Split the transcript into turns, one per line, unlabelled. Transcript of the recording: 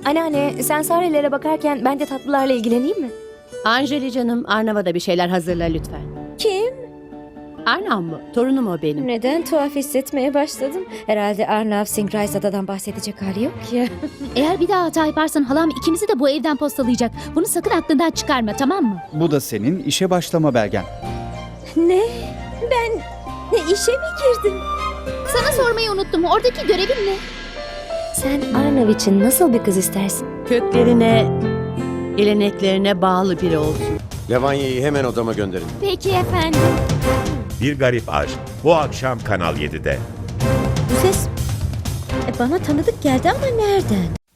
Anneanne, sen Sarelere bakarken ben de tatlılarla ilgileneyim mi?
Anjali canım, Arnav'a da bir şeyler hazırla lütfen.
Kim?
Arnav mı? Torunum o benim.
Neden tuhaf hissetmeye başladım? Herhalde Arnav Singh Raisata'dan bahsedecek hali yok ya.
Eğer bir daha hata yaparsan halam ikimizi de bu evden postalayacak. Bunu sakın aklından çıkarma, tamam mı?
Bu da senin işe başlama belgen.
Ne? Ben işe mi girdim?
Sana sormayı unuttum. Oradaki görevin ne?
Sen Arnav için nasıl bir kız istersin?
Köklerine, geleneklerine bağlı biri olsun.
Levanya'yı hemen odama gönderin.
Peki efendim.
Bir Garip Aşk bu akşam Kanal 7'de.
Bu ses bana tanıdık geldi ama nereden?